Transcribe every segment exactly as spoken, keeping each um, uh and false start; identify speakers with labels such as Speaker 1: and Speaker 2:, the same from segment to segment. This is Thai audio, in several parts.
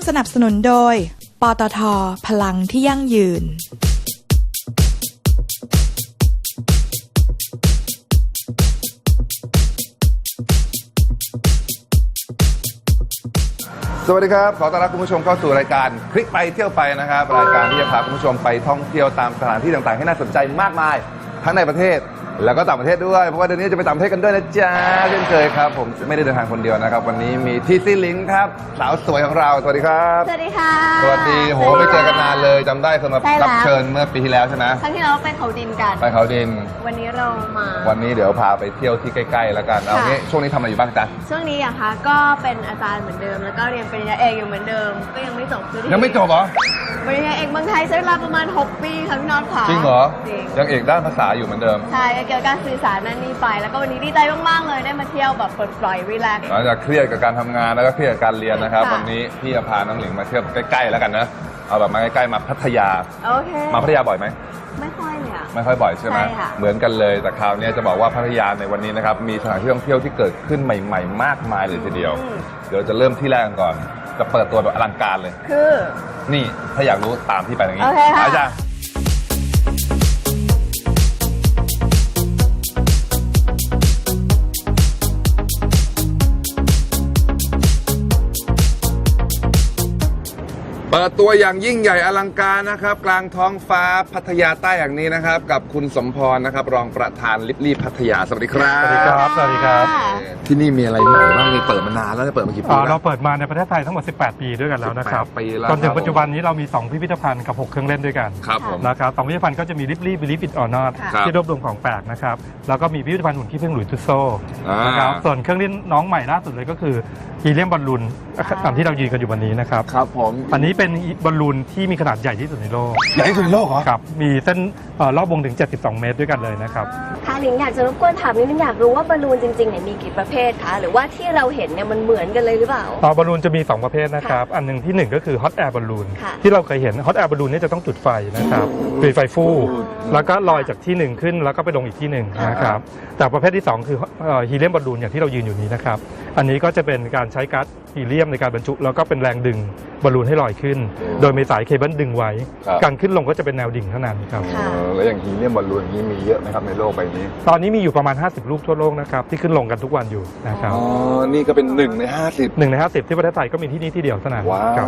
Speaker 1: สนับสนุนโดยปตท.พลังที่ยั่งยืน
Speaker 2: สวัสดีครับขอต้อนรับคุณผู้ชมเข้าสู่รายการคลิกไปเที่ยวไปนะครับรายการที่จะพาคุณผู้ชมไปท่องเที่ยวตามสถานที่ต่างๆให้น่าสนใจมากมายทั้งในประเทศแล้วก็ต่างประเทศด้วยเพราะว่าเดือนนี้จะไปต่างประเทศกันด้วยนะจ๊ะเช่นเคยครับผมไม่ได้เดินทางคนเดียวนะครับวันนี้มีทีซีลิงค์ครับสาวสวยของเราสวัสดีครับ
Speaker 3: สวัสดีค่ะ
Speaker 2: สวัสดีโหไม่เจอกันนานเลยจำได้สำหรับรับเชิญเมื่อปีที่แล้วใช่ไหม
Speaker 3: ครั้งที่เราไปเขาดินกัน
Speaker 2: ไปเขาดิน
Speaker 3: วันนี้เรามา
Speaker 2: วันนี้เดี๋ยวพาไปเที่ยวที่ใกล้ๆแล้วกันเอางี้ช่วงนี้ทำอะไรอยู่บ้างจ๊ะ
Speaker 3: ช่วงนี้อะคะก็เป็นอาจารย์เหมือนเดิมแล้วก็เรียนปริญญาเอกอยู่เหมือนเดิมก็ยังไม่จบ
Speaker 2: ยังไม่จบเหรอ
Speaker 3: ปริญญาเอกเมืองไทยใช้เวลาประมาณหกปีค่ะพี่น็อตค่ะ
Speaker 2: จริงเหรอยังเอกด้านภาษาอยู่เหมือนเดิม
Speaker 3: ใช่เกี่ยวกับการสื่อสารนั่นนี่ไปแล้วก็วันนี้ดีใจมากๆเลยได้มาเที่ยวแบบปลดปล่อยรีแลกซ์
Speaker 2: หลังจากเครียดกับการทำงานแล้วก็เครียดกับการเรียนนะครับวันนี้พี่จะพาน้องหลิงมาเที่ยวใกล้ๆแล้วกันนะเอาแบบมาใกล้ๆมาพัทยา
Speaker 3: โอเค
Speaker 2: มาพัทยาบ่อยไหม
Speaker 3: ไม่ค่อยเลยอะ
Speaker 2: ไม่ค่อยบ่อยใช่ไหมเหมือนกันเลยแต่คราวนี้จะบอกว่าพัทยาในวันนี้นะครับมีสถานที่ท่องเที่ยวที่เกิดขึ้นใหม่ๆมากมายเลยทีเดียวเดี๋ยวจะเริ่มที่แรกก่อนจะเปิดตัวแบบอลังการเลย
Speaker 3: คือ
Speaker 2: นี่ถ้าอยากรู้ตามที่ไปอย่างนี้
Speaker 3: โอเคค่ะ
Speaker 2: อาจารย์เปิดตัวอย่างยิ่งใหญ่อลังการนะครับกลางท้องฟ้าพัทยาใต้อย่างนี้นะครับกับคุณสมพรนะครับรองประธานลิบลี่พัทยาสวัสดีครับ
Speaker 4: สวัสดีครับสวัสดีครับ
Speaker 2: ที่นี่มีอะไรใหม่บ้างมีเปิดมานานแล้วเปิดมากี่ปีแล้ว
Speaker 4: เราเปิดมาในประเทศไทยทั้งหมดสิบแปดปีด้วยกันแล้วนะครับจนถึงปัจจุบันนี้เรามีสองพิพิธภัณฑ์กับหกเครื่องเล่นด้วยกันนะครับสองพิพิธภัณฑ์ก็จะมีลิบลี่บิลิฟอิตออร์นอตที่รวบรวมของแปลกนะครับแล้วก็มีพิพิธภัณฑ์หุ่นขี้ผึ้งหลุยส์ทุสโซนะครับส่วนเครื่องเล่นน้องใหม่ล่าสุดเลยก็คือฮีเลียมบอลลูนตามที่เรายืนกันอยู่วันนี้นะครับ
Speaker 2: ครับผม
Speaker 4: อันนี้เป็นบอลลูนที่มีขนาดใหญ่ที่สุดในโลก
Speaker 2: ใหญ่ที่สุดในโลกเหรอ
Speaker 4: ครับมีเส้นรอบวงถึงเจ็ดสิบสองเมตรด้วยกันเลยนะครับ
Speaker 3: ค่ะหลิงอยากจะรบกวนถามนิดนึงอยากรู้ว่าบอลลูนจริงๆเนี่ยมีกี่ประเภทคะหรือว่าที่เราเห็นเนี่ยมันเหมือนกันเลยหรือเปล่า
Speaker 4: บอลลูนจะมีสองประเภทนะครับอันหนึ่งที่หนึ่งก็คือฮอตแอร์บอลลูนที่เราเคยเห็นฮอตแอร์บอลลูนนี่จะต้องจุดไฟนะครับจุดไฟฟู่แล้วก็ลอยจากที่หนึ่งขึ้นแล้วก็ไปลงอีกที่หนึ่งนะครับแต่ประเภทที่สองคือฮีเลียมบอลลูนอย่างที่เรายืนอยู่นี้นะครับอันนี้ก็จะเป็นการใช้ก๊าซฮีเลียมในการบรรจุแล้วก็เป็นแรงดึงบอลลูนให้ลอยขึ้นโดยมีสายเคเบิลดึงไว้การขึ้นลงก็จะเป็นแนวดิ่งเท่านั้นครับ
Speaker 2: แล้วอย่างฮีเลียมบอลลูนนี้มีเยอะไหมครับในโลกใบนี้
Speaker 4: ตอนนี้มีอยู่ประมาณห้าสิบลูกทั่วโลกนะครับที่ขึ้นลงกันทุกวันอยู่นะครับ
Speaker 2: อ๋อนี่ก็เป็นหนึ่งในห้าสิบ
Speaker 4: หนึ่งในห้าสิบที่ประเทศไทยก็มีที่นี่ที่เดียวเท่านั้น
Speaker 2: ว้าว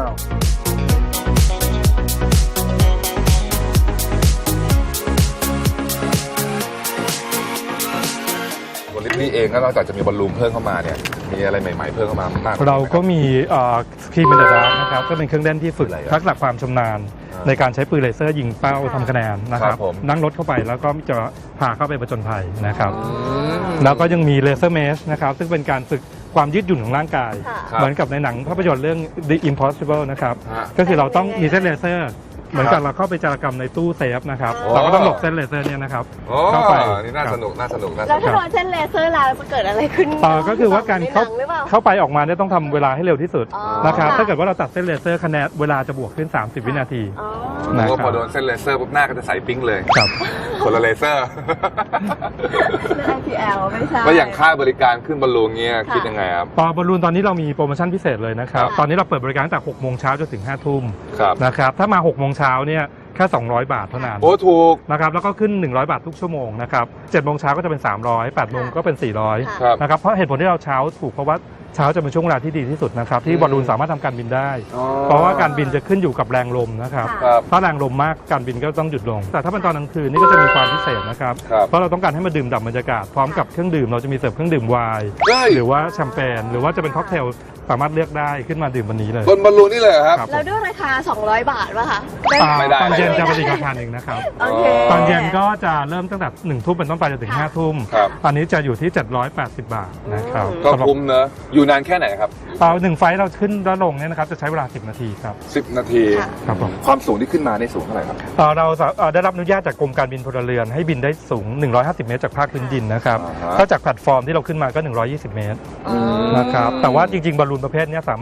Speaker 2: นี่เองก็นอกจากจะมีบอลลูนเพิ่มเข้ามาเนี่ยมีอะไรใหม่ๆเพิ่มเข้ามามาก
Speaker 4: เราก็มีสกีมินเดอร์ดาร์นะครับก็เป็นเครื่องเล่นที่ฝึกทักษะความชำนาญในการใช้ปืนเลเซอร์ยิงเป้าทำคะแนนนะครับนั่งรถเข้าไปแล้วก็จะพาเข้าไปผจญภัยนะครับแล้วก็ยังมีเลเซอร์เมชนะครับซึ่งเป็นการฝึกความยืดหยุ่นของร่างกายเหมือนกับในหนังภาพยนตร์เรื่อง The Impossible นะครับก็คือเราต้องมีเส้นเลเซอร์เหมือนกับเราเข้าไปจารกรรมในตู้เซฟนะครับเราก็ต้องหลบเส้นเลเซอร์เนี่ยนะครับ
Speaker 2: เข้าไปนี่น่าสนุกน่าสนุก
Speaker 3: แล้วถ้าโดนเส้นเลเซอร์แล้วจะเกิดอะไรขึ้น
Speaker 4: ก็คือว่าการเข้าเข้าไปออกมาเนี่ยต้องทำเวลาให้เร็วที่สุดนะครับถ้าเกิดว่าเราตัดเส้นเลเซอร์คะแนนเวลาจะบวกขึ้นสามสิบวินาที
Speaker 2: นะพอโดนเส้นเลเซอร์ปุ๊บหน้าก็จะใสปิ๊งเลย
Speaker 4: ครับ
Speaker 2: คนละเลเซอร์
Speaker 3: ไม่ ไอ พี แอล ไม่ใช่
Speaker 2: แล้วอย่างค่าบริการขึ้นบอลลูนเงี้ยคิดยังไงครับ
Speaker 4: ตอนบอลลูนตอนนี้เรามีโปรโมชั่นพิเศษเลยนะครับตอนนี้เราเปิดบริการตั้งแต่หกโมงเช้าจนถึงห้าทุ่มนะครับถ้ามาหกโมงเช้าเนี่ยแค่สองร้อยบาทเท่านั้น
Speaker 2: โอ้ถูก
Speaker 4: นะครับแล้วก็ขึ้นหนึ่งร้อยบาททุกชั่วโมงนะครับเจ็ดโมงเช้าก็จะเป็นสามร้อยแปดโมงก็เป็นสี่ร้อยนะครับเพราะเหตุผลที่เราเช้าถูกเพราะว่าเช้าจะเป็นช่วงเวลาที่ดีที่สุดนะครับที่บอลลูนสามารถทำการบินได้เพราะว่าการบินจะขึ้นอยู่กับแรงลมนะครับถ้าแรงลมมากการบินก็ต้องหยุดลงแต่ถ้าเป็นตอนกลางคืนนี่ก็จะมีความพิเศษนะครับเพราะเราต้องการให้มาดื่มด่ำบรรยากาศพร้อมกับเครื่องดื่มเราจะมีเสิร์ฟเครื่องดื่มไวน์หรือว่าแชมเปญหรือว่าจะเป็นค็อกเทลสามารถเลือกได้ขึ้นมาดื่มวันนี้เลย
Speaker 2: บนบอลลูนนี่เลยครับ
Speaker 3: แล้วด้วยราคาสองร้อยบาทป่ะคะ
Speaker 4: ไม่ได้ตอนเย็นจะเป็นอีกราคาหนึ่งนะครับตอนเย็นก็จะเริ่มตั้งแต่หนึ่งทุ่มเป็นต้นไปจนถึงห้าทุ่มตอนนี้จะอยู่ที่เจ็ดร้อยแปดสิบบาทนะครับ
Speaker 2: ก็คุ้มเนอะอยู่นานแค่ไหนครับ
Speaker 4: ตอนหนึ่งไฟเราขึ้นแล้วลงเนี่ยนะครับจะใช้เวลาสิบนาทีครับ
Speaker 2: สิบนาที
Speaker 4: ครับผม
Speaker 2: ความสูงที่ขึ้นมาในสูงเท่าไหร่ครับ
Speaker 4: เราได้รับอนุญาตจากกรมการบินพลเรือนให้บินได้สูงหนึ่งร้อยห้าสิบเมตรจากภาคพื้นดินนะครับถ้าจากแพลตฟอร์มที่เราขึ้นมาก็หนึ่งร้อยยี่สิบเมตรนะครับแต่ว่าจริงๆบอลลูนประเภทนี้สามารถ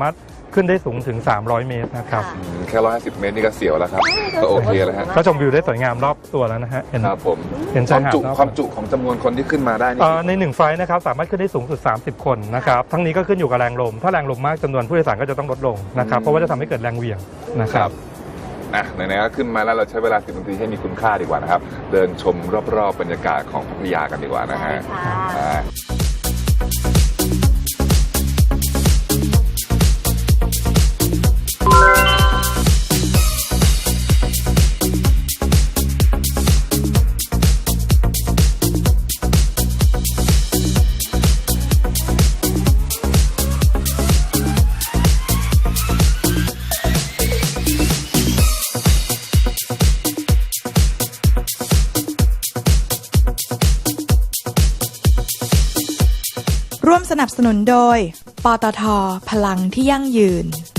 Speaker 4: ขึ้นได้สูงถึงสามร้อยเมตรนะครับ
Speaker 2: อืมแค่ร้อยห้าสิบเมตรนี่ก็เสียวแล้วครับก็โอเคแล้วฮะ
Speaker 4: ก็ชมวิวได้สวยงามรอบตัวแล้วนะฮะเห็น
Speaker 2: ครับผม
Speaker 4: เห็น
Speaker 2: ค
Speaker 4: ชายว
Speaker 2: าม
Speaker 4: หาด
Speaker 2: จุ
Speaker 4: รอบ
Speaker 2: ความจุของจำนวนคนที่ขึ้นมาได้นี่
Speaker 4: เอ่อในหนึ่งไฟล์นะครับสามารถขึ้นได้สูงสุดสามสิบคนนะครับทั้งนี้ก็ขึ้นอยู่กับแรงลมถ้าแรงลมมากจำนวนผู้โดยสารก็จะต้องลดลงนะครับเพราะว่าจะทำให้เกิดแรงเหวี่ยงนะค
Speaker 2: ค
Speaker 4: รั
Speaker 2: รับ บอ่ะไหนๆก็ขึ้นมาแล้วเราใช้เวลาสิบนาทีให้มีคุณค่าดีกว่านะครับเดินชมรอบๆบรรยากาศของพัทยากันดีกว่านะฮะ
Speaker 3: ใช่ค่ะ
Speaker 2: อ่า
Speaker 1: ร่วมสนับสนุนโดย ปตท พลังที่ยั่งยืน